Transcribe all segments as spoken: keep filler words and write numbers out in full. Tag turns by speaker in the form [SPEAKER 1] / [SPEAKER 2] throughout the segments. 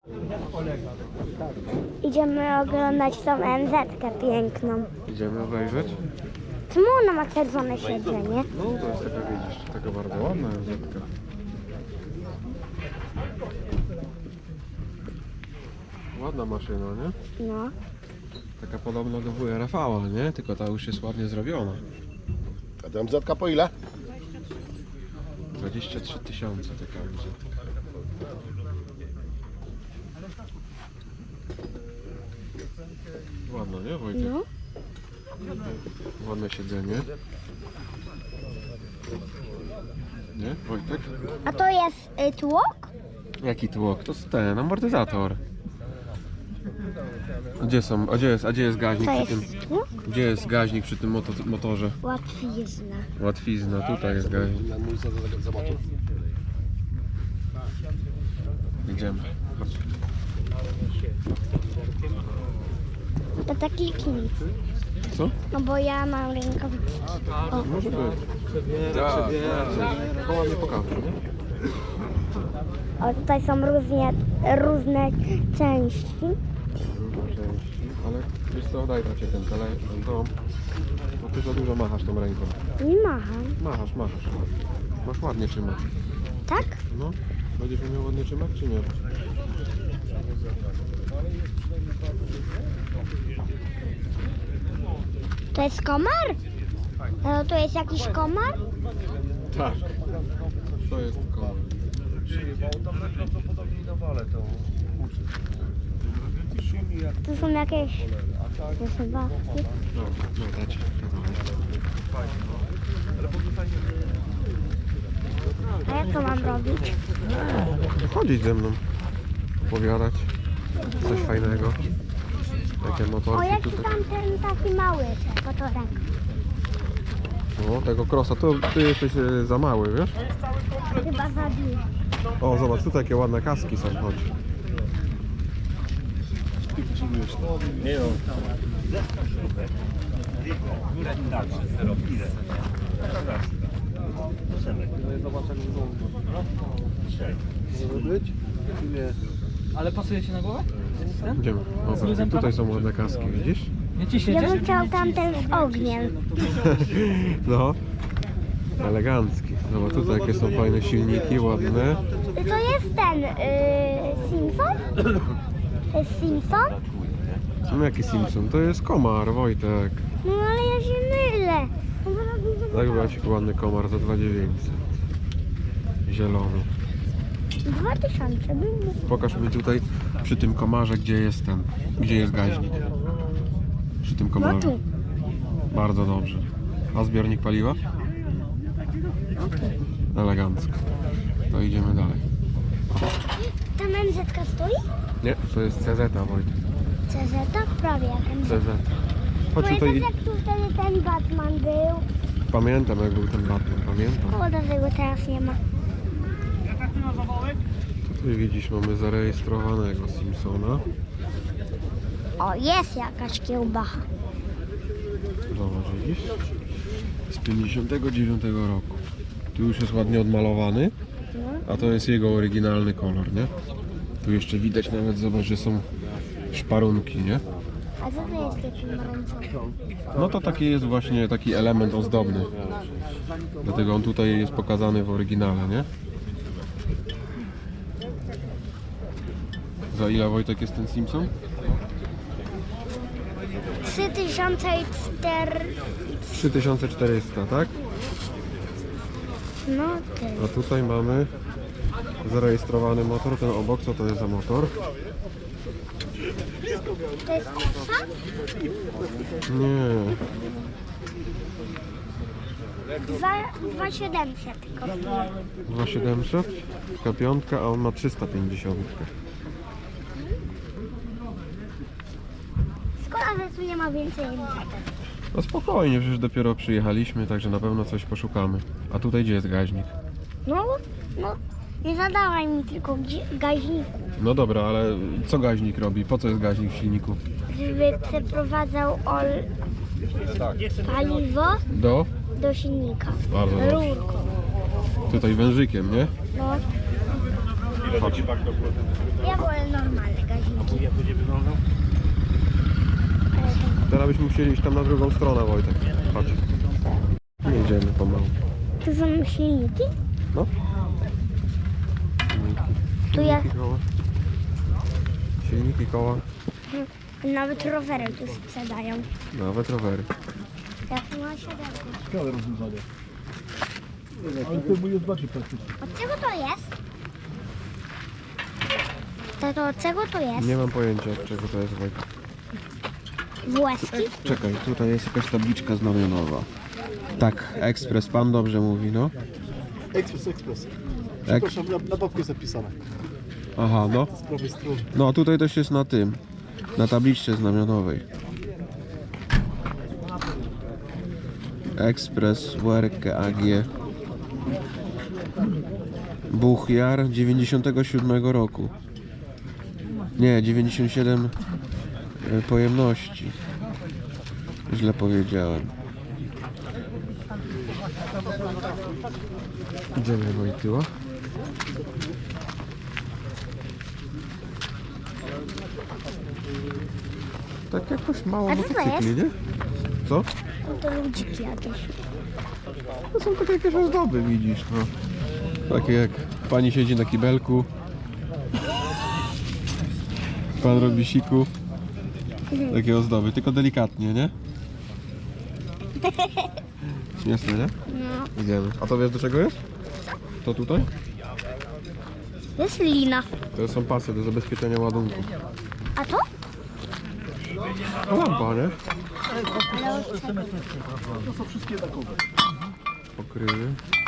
[SPEAKER 1] Idziemy oglądać tą M Z-kę piękną.
[SPEAKER 2] Idziemy obejrzeć?
[SPEAKER 1] Czemu ona ma czerwone siedzenie?
[SPEAKER 2] No to jest taka, widzisz, taka bardzo ładna M Z-ka. Ładna maszyna, nie?
[SPEAKER 1] No.
[SPEAKER 2] Taka podobna do W R V, nie? Tylko ta już jest ładnie zrobiona.
[SPEAKER 3] A ta M Z-ka po ile?
[SPEAKER 2] dwadzieścia trzy tysiące taka M Z-ka. Ładno, nie Wojtek?
[SPEAKER 1] No.
[SPEAKER 2] Ładne siedzenie. Nie Wojtek?
[SPEAKER 1] A to jest y, tłok?
[SPEAKER 2] Jaki tłok? To jest ten amortyzator. A Gdzie są? A gdzie jest, a gdzie jest gaźnik
[SPEAKER 1] To
[SPEAKER 2] przy tym?
[SPEAKER 1] jest tłok?
[SPEAKER 2] Gdzie jest gaźnik przy tym moto, motorze?
[SPEAKER 1] Łatwizna.
[SPEAKER 2] Łatwizna, tutaj jest gaźnik.
[SPEAKER 3] Ja mój za, za, za motor.
[SPEAKER 2] Idziemy. Chodź.
[SPEAKER 1] To tak kliknij.
[SPEAKER 2] Co?
[SPEAKER 1] No bo ja mam rękawiczki. O.
[SPEAKER 2] Może być. Tak, tak. Koła mnie pokaże, nie?
[SPEAKER 1] O, tutaj są różnie, różne części.
[SPEAKER 2] Różne części. Ale wiesz co, daj tacie ten telefon, ten dom. Bo ty za dużo machasz tą ręką.
[SPEAKER 1] Nie macham.
[SPEAKER 2] Machasz, machasz. Masz ładnie trzymać.
[SPEAKER 1] Tak?
[SPEAKER 2] No. Będziesz umiał ładnie trzymać, czy nie?
[SPEAKER 1] To jest komar? No to jest jakiś komar?
[SPEAKER 2] Tak. To jest koło.
[SPEAKER 1] To są jakieś zabawki.
[SPEAKER 2] No, no dajcie.
[SPEAKER 1] A jak to mam robić?
[SPEAKER 2] Chodzić ze mną. Opowiadać. Coś fajnego. Takie
[SPEAKER 1] O,
[SPEAKER 2] motorki
[SPEAKER 1] jaki
[SPEAKER 2] tutaj.
[SPEAKER 1] tam ten taki mały motorek.
[SPEAKER 2] O, tego crossa. To ty jesteś e, za mały, wiesz?
[SPEAKER 1] Chyba za duży.
[SPEAKER 2] O, zobacz, tu takie ładne kaski są, chodź.
[SPEAKER 4] Ale pasuje się na głowę?
[SPEAKER 2] Idziemy. Dobra, tutaj są ładne kaski, widzisz?
[SPEAKER 4] Nie
[SPEAKER 1] Ja
[SPEAKER 4] ciśniecie?
[SPEAKER 1] bym chciał tamten z ogniem.
[SPEAKER 2] No. Elegancki. Zobacz, tutaj jakie są fajne silniki, ładne.
[SPEAKER 1] To jest ten yy, Simpson? To jest Simpson?
[SPEAKER 2] No jaki Simpson? To jest komar, Wojtek.
[SPEAKER 1] No ale ja się mylę. No bo tak mi
[SPEAKER 2] Tak brać ładny komar za dwa tysiące dziewięćset. Zielony.
[SPEAKER 1] Dwa tysiące bym mógł.
[SPEAKER 2] Pokaż mi tutaj przy tym komarze, gdzie jest ten, gdzie jest gaźnik. Przy tym
[SPEAKER 1] No
[SPEAKER 2] komarze.
[SPEAKER 1] tu.
[SPEAKER 2] Bardzo dobrze. A zbiornik paliwa? Elegancko. To idziemy dalej.
[SPEAKER 1] Ta M Z-ka stoi?
[SPEAKER 2] Nie, to jest C Z, Wojtek.
[SPEAKER 1] C Z prawie jak M Z.
[SPEAKER 2] C Z. Chodź
[SPEAKER 1] Pamiętasz
[SPEAKER 2] tutaj.
[SPEAKER 1] jak tu wtedy ten Batman był?
[SPEAKER 2] Pamiętam, jak był ten Batman, pamiętam.
[SPEAKER 1] O, dlatego teraz nie ma.
[SPEAKER 2] Tutaj widzisz, mamy zarejestrowanego Simpsona.
[SPEAKER 1] O, jest jakaś kiełbacha.
[SPEAKER 2] Zobacz, widzisz? Z pięćdziesiątego dziewiątego roku. Tu już jest ładnie odmalowany, a to jest jego oryginalny kolor, nie? Tu jeszcze widać nawet, zobacz, że są szparunki, nie?
[SPEAKER 1] A co to jest taki pomarańczowy?
[SPEAKER 2] No to taki jest właśnie taki element ozdobny. Dlatego on tutaj jest pokazany w oryginale, nie? Za ile, Wojtek, jest ten Simpson?
[SPEAKER 1] trzy tysiące cztery...
[SPEAKER 2] trzy tysiące czterysta, tak?
[SPEAKER 1] No ty.
[SPEAKER 2] A tutaj mamy zarejestrowany motor, ten obok, co to jest za motor?
[SPEAKER 1] To jest kosa?
[SPEAKER 2] Nie,
[SPEAKER 1] Dwa, dwa siedemset kosztuje.
[SPEAKER 2] dwa tysiące siedemset, taka piątka, a on ma trzysta pięćdziesiąt.
[SPEAKER 1] Szkoda, że tu nie ma więcej M Z.
[SPEAKER 2] No spokojnie, przecież dopiero przyjechaliśmy, także na pewno coś poszukamy. A tutaj gdzie jest gaźnik?
[SPEAKER 1] No, no, nie zadawaj mi tylko gdzie- gaźniku,
[SPEAKER 2] No dobra, ale co gaźnik robi? Po co jest gaźnik w silniku?
[SPEAKER 1] żeby przeprowadzał ol... paliwo
[SPEAKER 2] Do?
[SPEAKER 1] do silnika.
[SPEAKER 2] Bardzo dobrze.
[SPEAKER 1] Rurką.
[SPEAKER 2] Tutaj wężykiem, nie?
[SPEAKER 1] No,
[SPEAKER 2] Chodź.
[SPEAKER 1] ja wolę normalnie.
[SPEAKER 2] ale byśmy musieli iść tam na drugą stronę, Wojtek. Chodź. Jedziemy pomału.
[SPEAKER 1] To są silniki?
[SPEAKER 2] No. Silniki.
[SPEAKER 1] Tu ja-
[SPEAKER 2] Silniki, koła. Silniki, koła.
[SPEAKER 1] Nawet rowery tu sprzedają.
[SPEAKER 2] Nawet rowery.
[SPEAKER 1] Jak ma siodełko.
[SPEAKER 3] Ciekawe rozwiązanie. Ale to mój jest bardziej praktyczny.
[SPEAKER 1] Od czego to jest? To, to od czego to jest?
[SPEAKER 2] Nie mam pojęcia, od czego to jest, Wojtek.
[SPEAKER 1] Włoski?
[SPEAKER 2] Czekaj, tutaj jest jakaś tabliczka znamionowa. Tak, ekspres, pan dobrze mówi, no.
[SPEAKER 3] Ekspres, ekspres.
[SPEAKER 2] Ek...
[SPEAKER 3] Przepraszam, na, na babku jest zapisane.
[SPEAKER 2] Aha, no.
[SPEAKER 3] Z prawej strony.
[SPEAKER 2] No, tutaj też jest na tym, na tabliczce znamionowej. Ekspres W R K A G Buchjar dziewięćdziesiątego siódmego roku. Nie, dziewięćdziesiąt siedem e, pojemności. Źle powiedziałem. Idziemy, Wojtyła. Tak jakoś mało
[SPEAKER 1] A co to
[SPEAKER 2] motocykli,
[SPEAKER 1] jest?
[SPEAKER 2] nie? Co?
[SPEAKER 1] No to ludziki jakieś.
[SPEAKER 2] To są takie jakieś ozdoby, widzisz, no. Takie jak pani siedzi na kibelku. Pan robi siku. Takie ozdoby, tylko delikatnie, nie? Śmieszne, nie?
[SPEAKER 1] No.
[SPEAKER 2] Idziemy. A to wiesz do czego jest? To tutaj?
[SPEAKER 1] To jest lina.
[SPEAKER 2] To są pasy do zabezpieczenia ładunku.
[SPEAKER 1] A to?
[SPEAKER 2] No lampa, nie?
[SPEAKER 1] Ale od czego?
[SPEAKER 2] Pokrywy.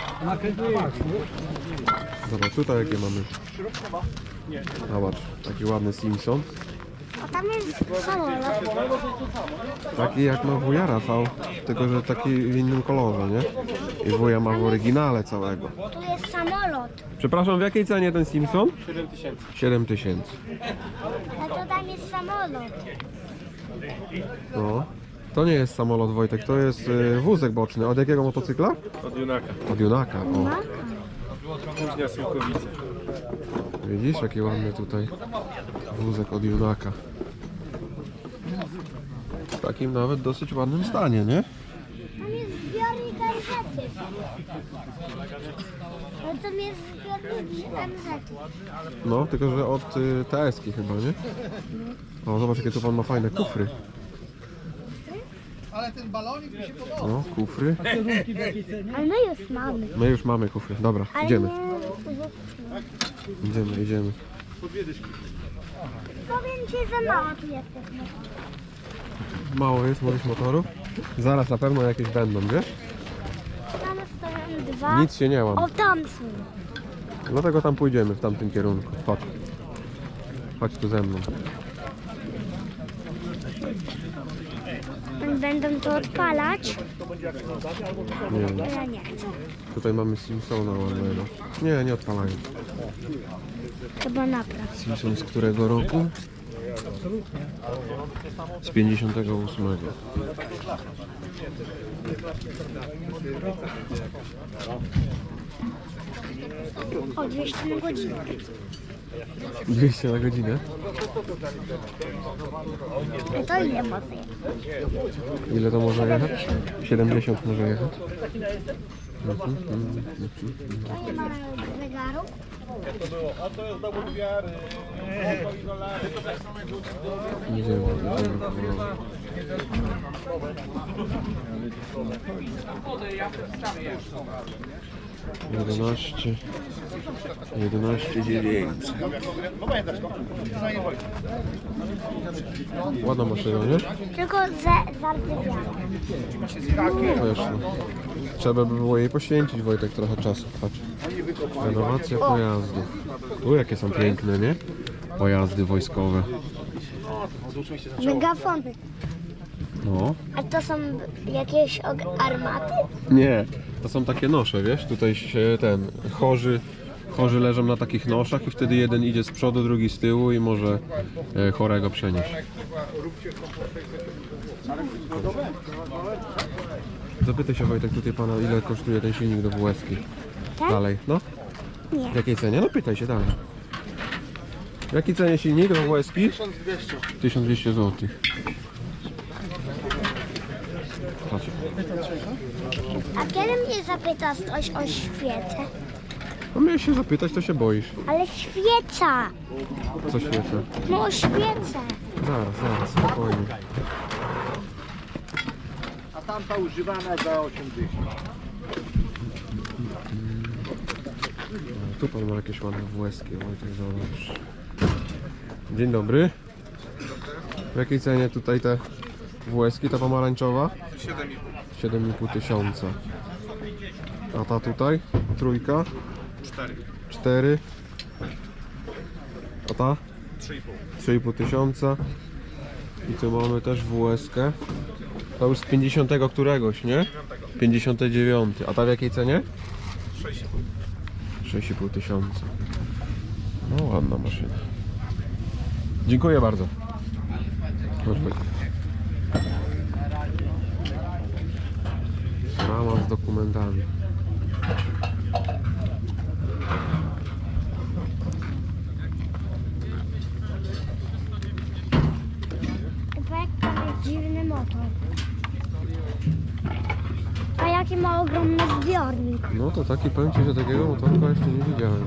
[SPEAKER 2] Zobacz, tutaj jakie mamy. Zobacz, taki ładny Simpson.
[SPEAKER 1] A tam jest samolot.
[SPEAKER 2] Taki jak ma wuja Rafał, tylko że taki w innym kolorze, nie? I wuja ma w oryginale całego.
[SPEAKER 1] Tu jest samolot.
[SPEAKER 2] Przepraszam, w jakiej cenie ten Simpson? siedem tysięcy.
[SPEAKER 1] A to tam jest samolot.
[SPEAKER 2] No. To nie jest samolot, Wojtek, to jest y, wózek boczny. Od jakiego motocykla?
[SPEAKER 5] Od Junaka.
[SPEAKER 2] Od Junaka, o.
[SPEAKER 1] No.
[SPEAKER 5] Późnia Sułkowice.
[SPEAKER 2] Widzisz, jaki ładny tutaj wózek od Junaka. W takim nawet dosyć ładnym stanie, nie?
[SPEAKER 1] Tam jest zbiornik M Z. No tam jest zbiornik M Z.
[SPEAKER 2] No, tylko że od y, T S-ki chyba, nie? O, zobacz jakie tu pan ma fajne kufry. No, kufry.
[SPEAKER 1] Ale my już mamy.
[SPEAKER 2] My już mamy kufry. Dobra,
[SPEAKER 1] Ale
[SPEAKER 2] idziemy.
[SPEAKER 1] nie...
[SPEAKER 2] Idziemy, idziemy.
[SPEAKER 1] Powiem ci, że mało tu jesteśmy.
[SPEAKER 2] Mało jest moich motorów. Zaraz na pewno jakieś będą, wiesz?
[SPEAKER 1] Tam stoją dwa.
[SPEAKER 2] Nic się nie łam.
[SPEAKER 1] O, tam są.
[SPEAKER 2] Dlatego tam pójdziemy w tamtym kierunku. Chodź. Chodź tu ze mną.
[SPEAKER 1] Będą to odpalać.
[SPEAKER 2] Nie,
[SPEAKER 1] To ja nie chcę.
[SPEAKER 2] tutaj mamy Simpsona ładnego. Nie, nie odpalają.
[SPEAKER 1] Chyba napraw.
[SPEAKER 2] Simpson z którego roku? Z pięćdziesiątego ósmego.
[SPEAKER 1] O, dwieście na godzinę.
[SPEAKER 2] dwieście na godzinę.
[SPEAKER 1] No to ile mocy?
[SPEAKER 2] Ile to może jechać? siedemdziesiąt może jechać. Mhm, mhm, mhm.
[SPEAKER 1] To nie ma zegaru.
[SPEAKER 2] Idziemy, idziemy. jedenaście, jedenaście dziewięćset. Ładna maszyna, nie?
[SPEAKER 1] Tylko ze zardzewiała.
[SPEAKER 2] Wiesz, no. Trzeba by było jej poświęcić, Wojtek, trochę czasu. Patrz. Renowacja pojazdów. Tu jakie są piękne, nie? Pojazdy wojskowe.
[SPEAKER 1] Megafony.
[SPEAKER 2] No.
[SPEAKER 1] A to są jakieś og- armaty?
[SPEAKER 2] Nie, to są takie nosze, wiesz? Tutaj się ten, chorzy, chorzy leżą na takich noszach i wtedy jeden idzie z przodu, drugi z tyłu i może e, chorego przenieść. Zapytaj się, Wojtek, tutaj pana, ile kosztuje ten silnik do W S ki?
[SPEAKER 1] Tak?
[SPEAKER 2] Dalej, no?
[SPEAKER 1] Nie.
[SPEAKER 2] W jakiej cenie? No pytaj się dalej. W jakiej cenie silnik do W S ki? tysiąc dwieście złotych. Chodź.
[SPEAKER 1] A kiedy mnie zapytasz coś o świecę?
[SPEAKER 2] No miałeś się zapytać, to się boisz.
[SPEAKER 1] Ale świeca!
[SPEAKER 2] Co świecę?
[SPEAKER 1] No o świecę!
[SPEAKER 2] Zaraz, zaraz, spokojnie.
[SPEAKER 3] A tamta używana za osiemdziesiąt.
[SPEAKER 2] Tu pan ma jakieś ładne włoskie, Wojtek, zobacz. Dzień dobry. W jakiej cenie tutaj te włoskie, ta pomarańczowa? siedem i pół tysiąca. A ta tutaj? Trójka? cztery. A ta? trzy i pół tysiąca. I tu mamy też włoskę. To już z pięćdziesiątego któregoś, nie? pięćdziesiąty dziewiąty. A ta w jakiej cenie? sześć i pół tysiąca. No ładna maszyna. Dziękuję bardzo. Chodź, chodź. Rama z dokumentami.
[SPEAKER 1] Chyba jak tam jest dziwny motor. A jaki ma ogromny zbiornik.
[SPEAKER 2] No to taki, powiem ci, że takiego motorka jeszcze nie widziałem.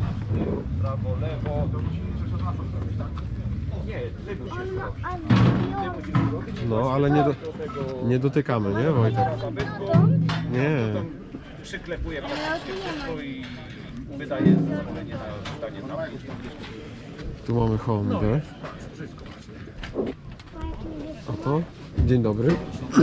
[SPEAKER 1] On ma a zbiornik.
[SPEAKER 2] No ale nie, do, nie dotykamy, nie Wojtek? Nie.
[SPEAKER 3] Przyklepuje
[SPEAKER 1] Ale tu nie ma.
[SPEAKER 3] i wydaje zezwolenie na zdanie na
[SPEAKER 2] Tu mamy Hondę. A to? Dzień dobry.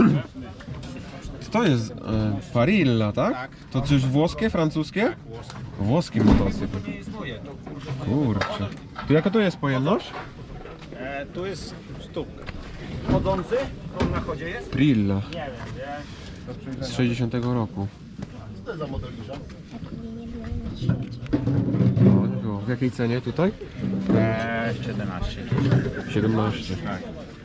[SPEAKER 2] Co to jest? E, Parilla, tak? To coś włoskie, francuskie? Włoski motocykl. Kurczę. Tu jaka to jest pojemność?
[SPEAKER 3] E, tu jest sztuka. Chodzący? On na chodzie jest?
[SPEAKER 2] Prilla.
[SPEAKER 3] Nie wiem, wiesz.
[SPEAKER 2] Z sześćdziesiątego roku.
[SPEAKER 3] Co to jest za modeliża?
[SPEAKER 2] No, nie było. W jakiej cenie tutaj?
[SPEAKER 3] Eee, siedemnaście.
[SPEAKER 2] siedemnaście.
[SPEAKER 3] Tak.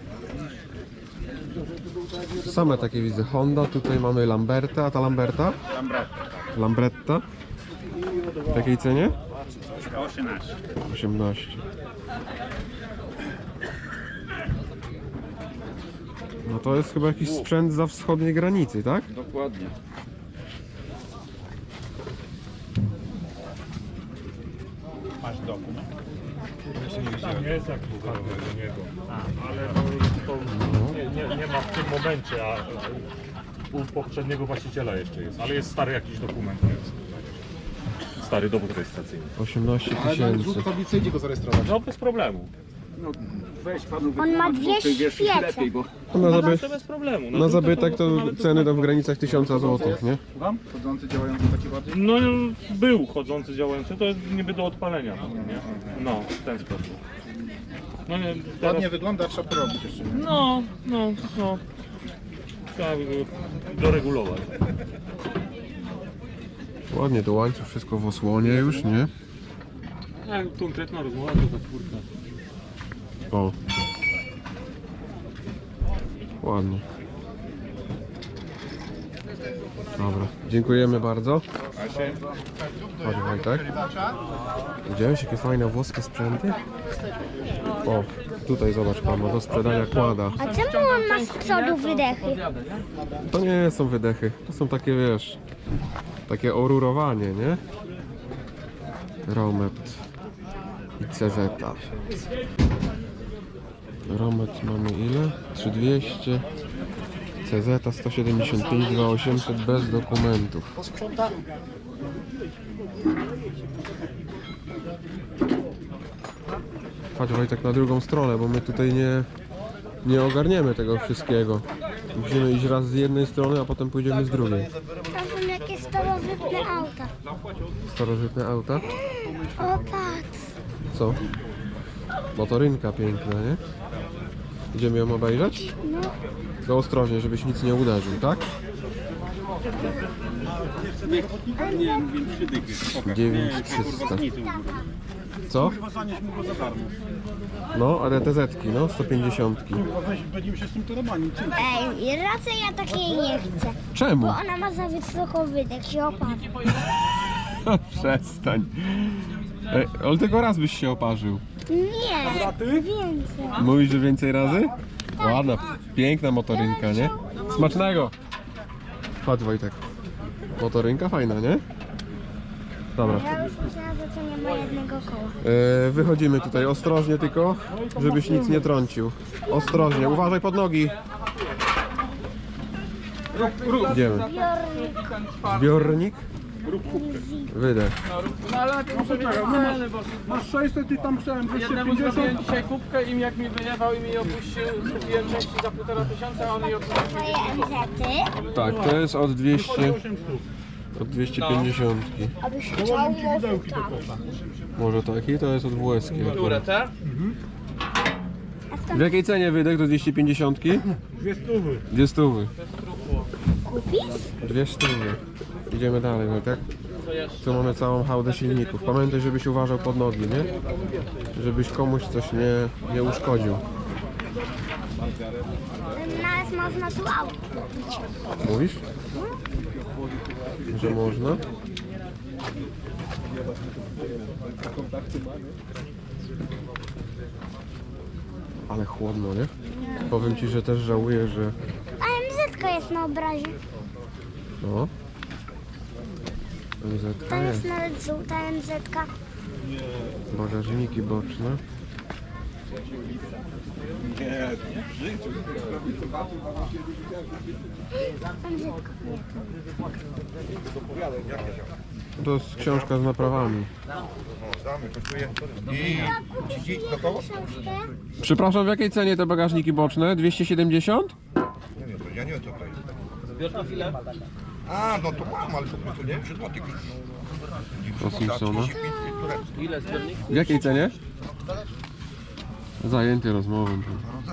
[SPEAKER 2] Same takie widzę. Honda, tutaj mamy Lamberta, a ta Lamberta?
[SPEAKER 3] Lambretta.
[SPEAKER 2] Lambretta. W jakiej cenie?
[SPEAKER 3] osiemnaście.
[SPEAKER 2] osiemnaście. No to jest chyba jakiś sprzęt za wschodniej granicy, tak?
[SPEAKER 3] Dokładnie. Masz dokument?
[SPEAKER 5] Tam jest jak buchalter do niego. Ale to, to nie, nie, nie ma w tym momencie, a u poprzedniego właściciela jeszcze jest. Ale jest stary jakiś dokument. Jest. Stary dowód rejestracyjny.
[SPEAKER 2] osiemnaście
[SPEAKER 3] Ale na
[SPEAKER 2] tysięcy.
[SPEAKER 3] rzut tablicy idzie go zarejestrować.
[SPEAKER 5] No bez problemu.
[SPEAKER 3] No weź panu
[SPEAKER 1] On ma dwie świece.
[SPEAKER 2] No na, zaby...
[SPEAKER 5] To bez problemu.
[SPEAKER 2] na zabytek to
[SPEAKER 5] nawet
[SPEAKER 2] ceny tam w granicach tysiąca złotych, nie?
[SPEAKER 3] Wam? Chodzący, działający taki bardziej?
[SPEAKER 5] No był chodzący, działający, to jest niby do odpalenia. Nie? No, w ten sposób. No nie, teraz...
[SPEAKER 3] Ładnie wygląda, trzeba porobić jeszcze. Nie?
[SPEAKER 5] No, no, no. Trzeba by go doregulować.
[SPEAKER 2] Ładnie, to łańcuch, wszystko w osłonie już, nie?
[SPEAKER 5] A konkretna rozmowa to za czwórka.
[SPEAKER 2] O. Ładnie. Dobra, dziękujemy bardzo. Chodź Wojtek. Widziałeś jakie fajne włoskie sprzęty? O, tutaj zobacz pan, ma do sprzedania kłada.
[SPEAKER 1] A czemu on ma z przodu wydechy?
[SPEAKER 2] To nie są wydechy, to są takie, wiesz, takie orurowanie, nie? Romet i C Z. Romet mamy ile? trzy tysiące dwieście. C Z sto siedemdziesiąt pięć, dwa tysiące osiemset bez dokumentów. Chodź Wojtek na drugą stronę, bo my tutaj nie, nie ogarniemy tego wszystkiego. Musimy iść raz z jednej strony, a potem pójdziemy z drugiej.
[SPEAKER 1] Tam są jakieś starożytne auta.
[SPEAKER 2] Starożytne auta.
[SPEAKER 1] O patrz.
[SPEAKER 2] Co? Motorynka piękna, nie? Idziemy ją obejrzeć?
[SPEAKER 1] No.
[SPEAKER 2] Tylko ostrożnie, żebyś nic nie uderzył, tak? dziewięć tysięcy trzysta. Co?
[SPEAKER 3] Zanieś mu go za darmo.
[SPEAKER 2] No, ale te zetki, no, sto pięćdziesiąt.
[SPEAKER 3] Weź, będziemy się z tym torobani.
[SPEAKER 1] Ej, raczej ja takiej nie chcę.
[SPEAKER 2] Czemu?
[SPEAKER 1] Bo ona ma za wysoko wydech, się opadł.
[SPEAKER 2] Przestań. Ej, ale tylko raz byś się oparzył.
[SPEAKER 1] Nie, więcej.
[SPEAKER 2] Mówisz, że więcej razy? Ładna, piękna motorynka, nie? Smacznego! Chodź Wojtek. Motorynka fajna, nie? Dobra.
[SPEAKER 1] Ja już myślałam, że to nie ma jednego koła.
[SPEAKER 2] E, wychodzimy tutaj ostrożnie tylko, żebyś nic nie trącił. Ostrożnie, uważaj pod nogi. Idziemy.
[SPEAKER 1] Zbiornik.
[SPEAKER 2] Zbiornik. Wydech.
[SPEAKER 4] No ale najpierw muszę wiedzieć ceny, bo
[SPEAKER 3] Masz sześćset i tam chciałem
[SPEAKER 4] jednemu
[SPEAKER 3] dwieście
[SPEAKER 4] zrobiłem
[SPEAKER 3] pięćdziesiąt.
[SPEAKER 4] dzisiaj kubkę i jak mi wylewał i mi opuścił, kupiłem części za półtora tysiąca, a on mi opuścił.
[SPEAKER 1] Twoje M Z-y.
[SPEAKER 2] Tak, to jest od dwieście, od dwieście pięćdziesiąt.
[SPEAKER 1] Abyś chciał, może tak.
[SPEAKER 2] Może taki, to jest od W S K.
[SPEAKER 4] Które te?
[SPEAKER 2] W jakiej cenie wydech do dwieście pięćdziesiąt?
[SPEAKER 3] Dwie stówy.
[SPEAKER 2] Dwie stówy.
[SPEAKER 1] Kupisz?
[SPEAKER 2] Dwie stówy. Idziemy dalej, Wojtek. Tu mamy całą hałdę silników. Pamiętaj, żebyś uważał pod nogi, nie? Żebyś komuś coś nie, nie uszkodził.
[SPEAKER 1] Nas można tu auto kupić.
[SPEAKER 2] Mówisz? Że można? Ale chłodno, nie? Powiem ci, że też żałuję, że...
[SPEAKER 1] A M Z-ka jest na obrazie.
[SPEAKER 2] No. M Z
[SPEAKER 1] Tam
[SPEAKER 2] jest.
[SPEAKER 1] jest nawet żółta M Z-ka.
[SPEAKER 2] Bagażniki boczne.
[SPEAKER 1] M Z-ka.
[SPEAKER 2] To jest książka z naprawami.
[SPEAKER 1] Książkę.
[SPEAKER 2] Przepraszam, w jakiej cenie te bagażniki boczne? dwieście siedemdziesiąt?
[SPEAKER 6] Nie wiem, to ja nie wiem co to jest. A, no to mam, ale to, to nie wiem, trzy złote.
[SPEAKER 2] O Simpsona.
[SPEAKER 4] Ile zbiornik?
[SPEAKER 2] W jakiej cenie? Zajęty rozmową.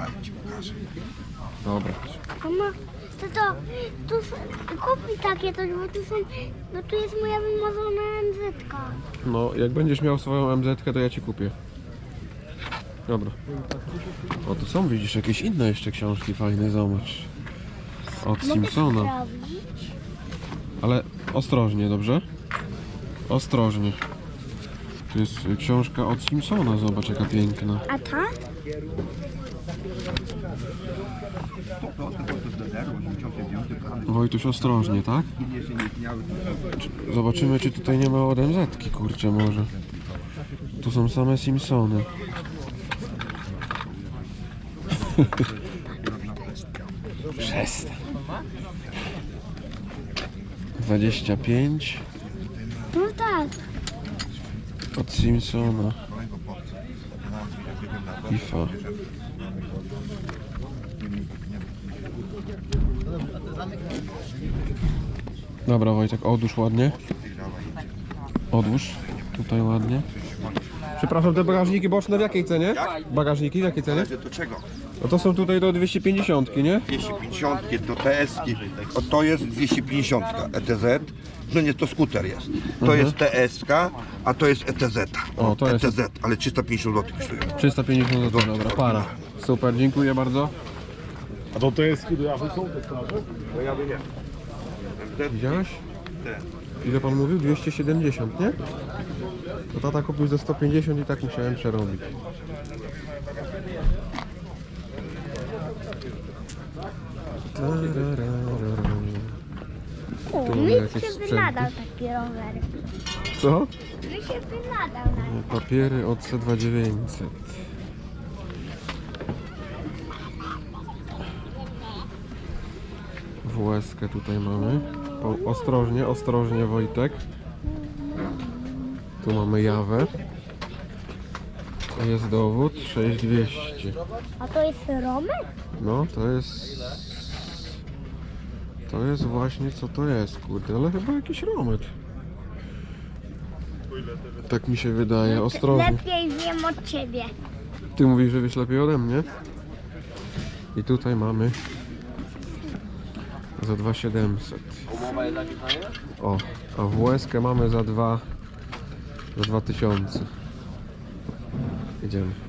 [SPEAKER 2] Dobra.
[SPEAKER 1] Mama, to to, tu s- kup mi takie to, bo tu są, bo tu jest moja wymarzona M Z-ka.
[SPEAKER 2] No, jak będziesz miał swoją M Z-kę, to ja ci kupię. Dobra. O, tu są, widzisz, jakieś inne jeszcze książki fajne, zobacz. Od
[SPEAKER 1] Mogę
[SPEAKER 2] Simpsona.
[SPEAKER 1] sprawdzić?
[SPEAKER 2] Ale ostrożnie, dobrze? Ostrożnie. To jest y, książka od Simpsona, zobacz jaka piękna.
[SPEAKER 1] A ta?
[SPEAKER 2] Wojtuś, ostrożnie, tak? Czy- Zobaczymy, czy tutaj nie ma od M Z-ki, kurczę, może. Tu są same Simpsony. Przestań. dwadzieścia pięć
[SPEAKER 1] No tak.
[SPEAKER 2] od Simpsona. FIFA. Dobra, Wojtek, odłóż ładnie. Odłóż. Tutaj ładnie. Przepraszam, te bagażniki boczne w jakiej cenie? Bagażniki w jakiej cenie?
[SPEAKER 6] Do czego?
[SPEAKER 2] No to są tutaj do dwieście pięćdziesiąt, nie?
[SPEAKER 6] dwieście pięćdziesiąt, do T S-ki. O, to jest dwieście pięćdziesiąt E T Z. No nie, to skuter jest. To jest T S-ka, a to jest E T Z.
[SPEAKER 2] O, to jest-
[SPEAKER 6] E T Z, ale trzysta pięćdziesiąt złotych kosztuje.
[SPEAKER 2] trzysta pięćdziesiąt złotych, dobra, para. Super, dziękuję bardzo.
[SPEAKER 3] A to to jest kiedy awy są te sprawy?
[SPEAKER 6] No ja wiem.
[SPEAKER 2] Widziałeś? Ile pan mówił? dwieście siedemdziesiąt, nie? To tata kupił za sto pięćdziesiąt i tak musiałem przerobić.
[SPEAKER 1] O,
[SPEAKER 2] Tu mamy
[SPEAKER 1] mi
[SPEAKER 2] jakieś
[SPEAKER 1] się
[SPEAKER 2] sprzęty.
[SPEAKER 1] wynadał taki rower.
[SPEAKER 2] Co?
[SPEAKER 1] Mi się wynadał na
[SPEAKER 2] Papiery od C dwa dziewięćset. W S K tutaj mamy. Po, ostrożnie, ostrożnie Wojtek. Tu mamy jawę. Jest dowód sześć dwieście.
[SPEAKER 1] A to jest Romek?
[SPEAKER 2] No to jest... To jest właśnie co to jest, kurde, ale chyba jakiś romet. Tak mi się wydaje, ostrożnie.
[SPEAKER 1] Lepiej wiem od ciebie.
[SPEAKER 2] Ty mówisz, że wiesz lepiej ode mnie. I tutaj mamy za dwa tysiące siedemset.
[SPEAKER 4] Umowa jest zapisana?
[SPEAKER 2] O, a w S K mamy za dwa za dwa tysiące. Idziemy.